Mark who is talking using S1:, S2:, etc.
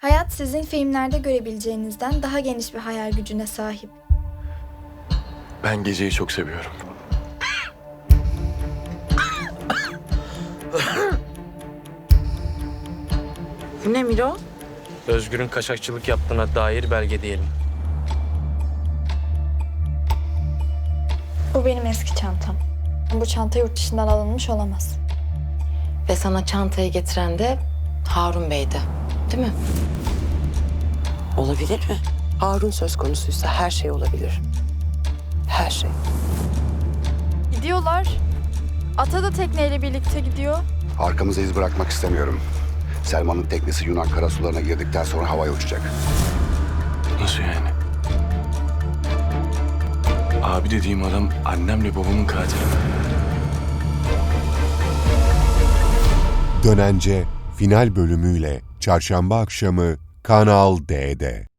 S1: Hayat sizin filmlerde görebileceğinizden daha geniş bir hayal gücüne sahip.
S2: Ben geceyi çok seviyorum.
S3: Bu ne Miro?
S4: Özgür'ün kaçakçılık yaptığına dair belge diyelim.
S1: Bu benim eski çantam. Bu çanta yurt dışından alınmış olamaz.
S3: Ve sana çantayı getiren de Harun Bey'di. Değil mi?
S5: Olabilir mi? Harun söz konusuysa her şey olabilir. Her şey.
S1: Gidiyorlar. Ata da tekneyle birlikte gidiyor.
S6: Arkamıza iz bırakmak istemiyorum. Selman'ın teknesi Yunan karasularına girdikten sonra havaya uçacak.
S2: Nasıl yani? Abi dediğim adam annemle babamın katili.
S7: Dönence final bölümüyle çarşamba akşamı Kanal D'de.